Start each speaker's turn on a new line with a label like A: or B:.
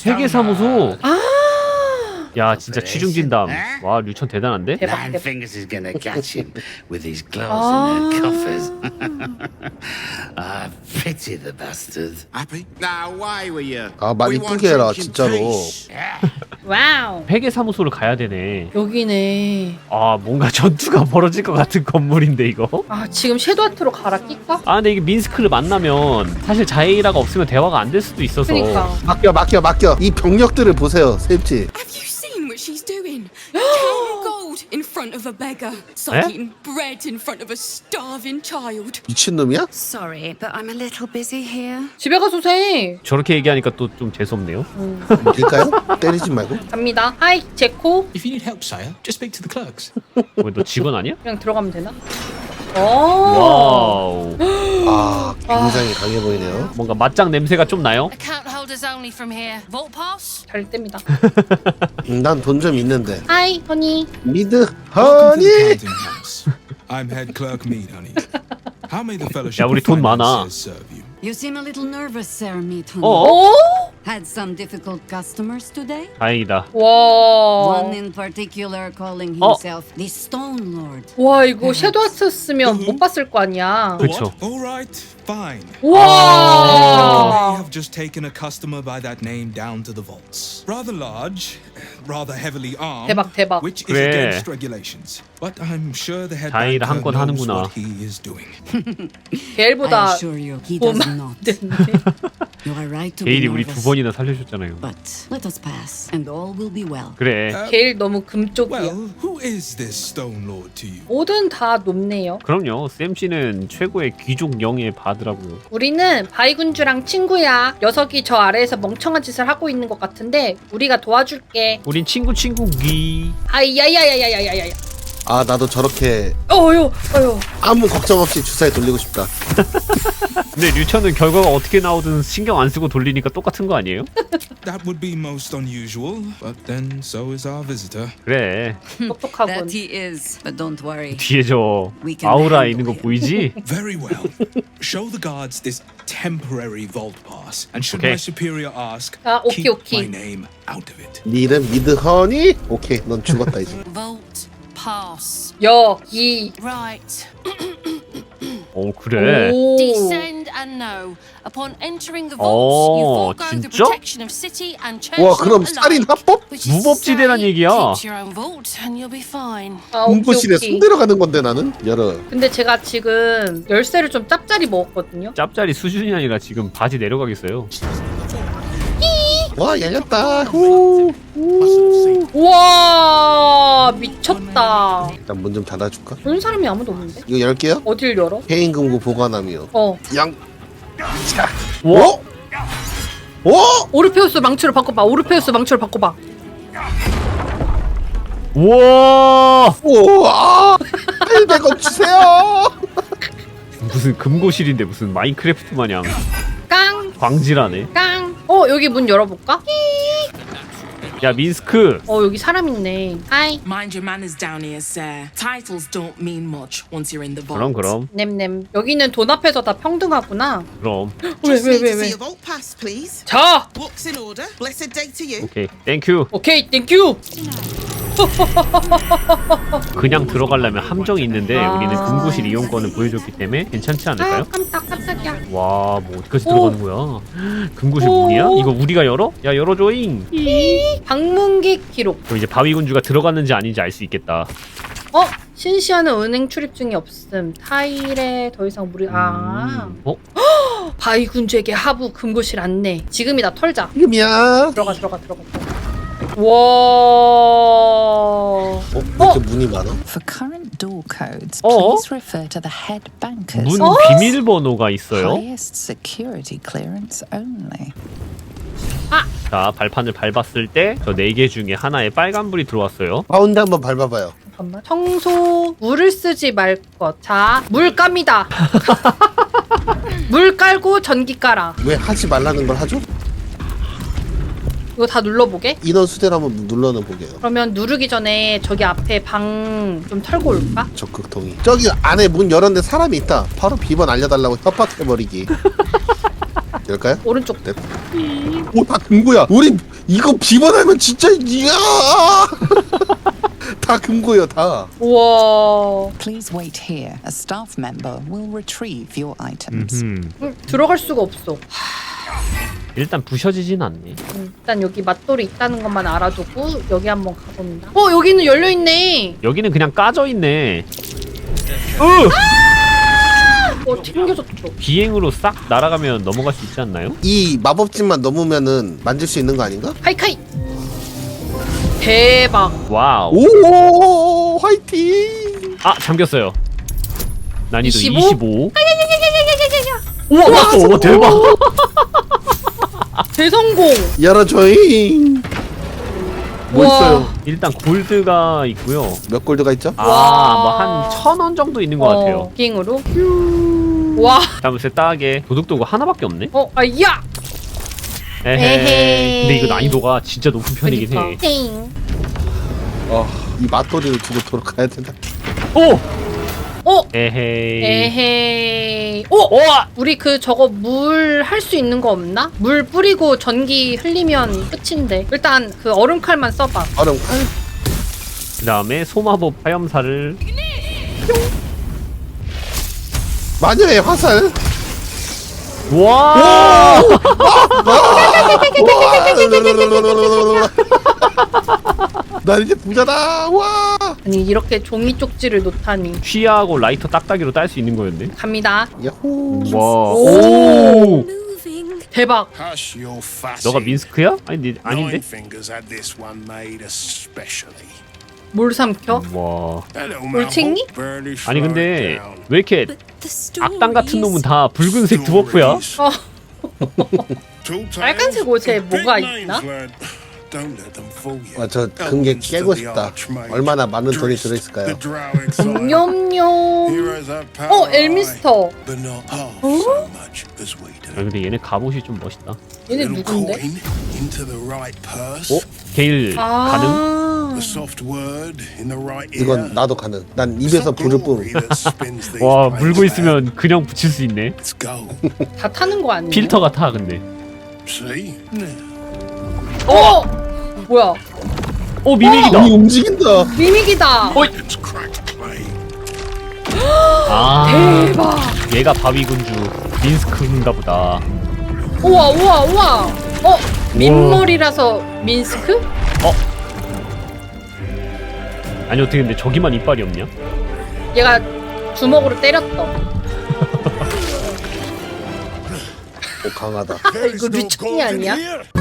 A: 회계사무소.
B: 아
A: 야 진짜 취중진담. 와 류천 대단한데?
B: 대박
C: Nine
B: 대박.
C: Fingers is gonna catch him with his claws
B: Ah.
C: in their coffers. I pity the bastard.
D: Happy? Now, why were you?
E: 아, 말
D: We want
E: 이쁘게 해라,
D: drinking
E: 진짜로.
D: peace.
B: 와우.
A: 회계사무소를 가야 되네.
B: 여기네.
A: 아 뭔가 전투가 벌어질 것 같은 건물인데 이거.
B: 아 지금 섀도우 아트로 갈아 낄까?
A: 아 근데 이게 민스크를 만나면 사실 자에이라가 없으면 대화가 안 될 수도 있어서.
B: 그니까.
E: 맡겨. 이 병력들을 보세요, 쌤치.
F: Have you seen what she's doing? Counting gold in front of a beggar. It's like
A: Eh?
F: eating bread in front of a starving child.
E: 미친놈이야?
G: Sorry, but I'm a little busy here.
B: 집에 가서 세.
A: 저렇게 얘기하니까 또 좀 재수없네요.
E: 될까요? 때리지 말고.
B: 갑니다. 하이 제코.
H: If you need help, sire, just speak to the clerks.
A: 왜 너 직원 아니야?
B: 그냥 들어가면 되나? 오.
A: 와우.
E: 아, 굉장히 강해 보이네요.
A: 뭔가 맞짱 냄새가 좀 나요?
G: Account holders only from here. Vault pass?
B: 잘 뗍니다.
E: 난 돈 좀 있는데.
B: 하이 허니.
E: 미드
D: Welcome to the
E: 허니.
D: counting house. I'm head clerk Mead, honey. How may the fellowship
A: 야, 우리
D: of
A: 돈 많아.
D: finances serve you?
G: You seem a little nervous, Sir Meaton.
A: 어?
B: 오.
G: Had some difficult customers today?
A: 다행이다.
B: 와.
G: One in particular calling
A: 어?
G: himself the Stone Lord.
B: 와 이거 섀도우 아트 쓰면 못 봤을 거 아니야.
A: 그쵸.
D: What? All right, fine.
B: 와.
D: I have just taken a customer by that name down to the vaults. Rather large, rather heavily armed,
B: 대박, 대박.
D: which is
A: 그래.
D: against regulations. But I'm sure the head
A: 자의를
D: banker
A: 한건
D: knows
A: 하는구나.
D: what he is doing.
B: 게일보다
G: I assure you, he does not. You are right to be
A: 게일이 우리 두
G: nervous.
A: 번이나 살려줬잖아요.
G: But let us pass, and all will be well.
A: 그래.
B: 게일 너무 금쪽이야.
D: Well, who is this Stone Lord to you?
B: 뭐든 다 높네요.
A: 그럼요. 쌤씨는 최고의 귀족 영예 바드라고요.
B: 우리는 바이군주랑 친구야. 녀석이 저 아래에서 멍청한 짓을 하고 있는 것 같은데 우리가 도와줄게.
A: 우린 친구기.
B: 아이야야야야야야야.
E: 아, 나도 저렇게
B: 어휴 어휴.
E: 아무 걱정 없이 주사에 돌리고 싶다.
A: 근데 류천은 결과가 어떻게 나오든 신경 안 쓰고 돌리니까 똑같은 거 아니에요?
D: That would be most unusual, but then so is our visitor.
A: 그래.
B: 똑똑하군.
G: That he is, but don't worry.
A: 뒤에 저
G: We can
A: 아우라
G: handle
A: 있는 거
G: him.
A: 보이지?
D: Very well. Show the guards this temporary vault pass, and should
A: Okay.
D: my superior ask,
B: 아, 오케이,
D: keep
B: 오케이.
D: my name out of it.
E: 네 이름 미드 허니? 오케이, 넌 죽었다 이제.
G: Vault pass.
B: 여기.
G: Right.
A: 어 그래.
B: 오.
G: Descend and know. Upon entering the vaults,
A: 어,
G: you forego the
A: 진짜?
G: protection of city and church.
E: 와, 그럼 살인 합법?
A: 무법지대란 얘기야.
G: Keep your own vault and you'll be fine.
B: 아 오케이
E: 공부실에
B: 오케이.
E: 손 들어가는 건데 나는 열어.
B: 근데 제가 지금 열쇠를 좀 짭짤이 먹었거든요.
A: 짭짤이 수준이 아니라 지금 바지 내려가겠어요.
E: 와, 열렸다. 후.
B: 우와 미쳤다.
E: 일단 문 좀 닫아줄까?
B: 보는 사람이 아무도 없는데?
E: 이거 열게요.
B: 어딜 열어?
E: 해인금고 보관함이요.
B: 어.
E: 양.
A: 와.
E: 어? 어?
B: 오르페우스 망치로 바꿔봐. 오르페우스 망치로 바꿔봐.
A: 우와.
E: 우와. 800원 주세요.
A: 무슨 금고실인데 무슨 마인크래프트 마냥
B: 깡.
A: 광질하네.
B: 깡. 여기 문 열어볼까?
A: 야 민스크.
B: 여기 사람 있네. 하이.
I: Mind your manners down here, sir. Titles don't mean much once you're in the vault.
A: 그럼.
B: 냄냄. 여기는 돈 앞에서 다 평등하구나.
A: 그럼.
J: Just need to see
B: 왜?
J: your vault pass, please.
B: 자.
J: Books in order. Blessed day to you.
A: 오케이. 땡큐.
B: 오케이 땡큐.
A: 그냥 들어가려면 함정이 있는데
B: 아.
A: 우리는 금고실 이용권을 보여줬기 때문에 괜찮지 않을까요?
B: 깜짝이야.
A: 와, 뭐 어디까지
B: 오.
A: 들어가는 거야? 금고실
B: 오.
A: 문이야? 이거 우리가 열어? 야, 열어줘잉.
B: 방문객 기록.
A: 그럼 이제 바위군주가 들어갔는지 아닌지 알 수 있겠다.
B: 신시아는 은행 출입 중이 없음. 타일에 더 이상 무리.
A: 어?
B: 바이군주에게 하부 금고실 안내. 지금이다 털자.
E: 지금이야.
B: 들어가. 와.
E: 왜 이렇게 문이 많아?
K: For current door codes,
A: 어?
K: please refer to the head bankers.
A: 문 비밀번호가 있어요.
K: Highest security clearance only.
A: 자, 발판을 밟았을 때 저 4개 중에 하나에 빨간불이 들어왔어요.
E: 가운데 한번 밟아봐요.
B: 잠깐만. 청소 물을 쓰지 말 것. 자, 물 깝니다. 물 깔고 전기 깔아.
E: 왜 하지 말라는 걸 하죠?
B: 이거 다 눌러보게.
E: 인원 수대로 한번 눌러는 보게요.
B: 그러면 누르기 전에 저기 앞에 방 좀 털고 올까?
E: 적극 동의. 저기 안에 문 열었는데 사람이 있다. 바로 비번 알려달라고 협박해버리기. 열까요?
B: 오른쪽.
E: 네. 오다 금고야. 우리 이거 비번하면 진짜 이야. 다 금고예요 다.
B: 우와.
K: Please wait here. A staff member will retrieve your items.
B: 들어갈 수가 없어.
A: 일단 부셔지진 않네.
B: 일단 여기 맛돌이 있다는 것만 알아두고 여기 한번 가봅니다. 여기는 열려 있네.
A: 여기는 그냥 까져 있네.
B: 튕겨졌어.
A: 비행으로 싹 날아가면 넘어갈 수 있지 않나요?
E: 이 마법진만 넘으면은 만질 수 있는 거 아닌가?
B: 카이카이. 대박.
A: 와우.
E: 오 화이팅.
A: 아 잠겼어요. 난이도
B: 25?
A: 25.
B: 우와,
A: 오 대박.
B: 대성공.
E: 열어줘잉. 뭐
B: 우와.
E: 있어요?
A: 일단 골드가 있고요.
E: 몇 골드가 있죠?
A: 뭐 한 1,000원 정도 있는 것 같아요.
B: 비행으로. 와.
A: 잠시 따게 도둑도구 하나밖에 없네.
B: 야.
A: 에헤. 근데 이거 난이도가 진짜 높은 편이긴 해.
B: 띵.
E: 이 맛돌이를 두고 돌아가야 된다.
A: 오.
B: 어.
A: 에헤이.
B: 에헤이.
A: 와.
B: 우리 저거 물 할 수 있는 거 없나? 물 뿌리고 전기 흘리면 끝인데. 일단 얼음칼만 써봐.
E: 얼음.
A: 그 다음에 소마법 화염사를.
E: 마녀의 화살.
A: 와.
E: 난 이제 부자다. 와.
B: 아니 이렇게 종이 쪽지를 놓다니.
A: 쉬하고 라이터 딱딱이로 딸 수 있는 거였네.
B: 갑니다.
E: 야호.
A: 와.
B: 오.
F: Moving.
B: 대박.
C: Hush your fussing.
A: 너가 민스크야? 아닌데.
C: Nine Fingers had this one made especially.
B: 뭘 삼켜?
A: 와.
C: That little
B: 올챙이?
C: mouth barely
A: 아니
C: slowed
A: 근데
C: down.
A: 왜 이렇게
F: But the stories.
A: 악당 같은 놈은 다 붉은색 드워프야?
C: Tall tales,
B: 빨간색 옷에
C: big
B: 뭐가
C: names,
B: 있나?
C: lad. Don't let them fool you.
E: 와, 저 금괴
C: Elements
E: 깨고
C: to the
E: 싶다.
C: Archmage.
E: 얼마나 많은 돈이
C: Drist,
E: 들어있을까요?
C: the Drow exile.
B: 냠냠.
C: Heroes have power,
B: 엘미스터.
C: but not half so much as we do.
A: 아 근데 얘네 갑옷이 좀 멋있다.
B: 얘네
C: Little
B: 누군데?
C: coin into the right purse.
A: 어? 게일 가능?
C: The soft word in the right ear.
E: 이건 나도 가능. 난 입에서 불을 뿜.
C: Glory that spins these
A: 와
C: blades
A: 물고
C: about.
A: 있으면 그냥 붙일 수 있네.
C: Let's go.
B: 다 타는 거 아니야?
A: 필터가 타 근데.
C: See?
B: 뭐야?
A: 오 미믹이다.
E: 이 움직인다.
B: 미믹이다.
C: It's cracked clay.
A: 아
B: 대박.
A: 얘가 바위군주 민스크인가 보다.
B: 우와 우와 우와. 민머리라서 민스크?
A: 아니 어떻게 근데 저기만 이빨이 없냐?
B: 얘가 주먹으로 때렸다.
E: 오 강하다.
B: 이거 류창이 아니야?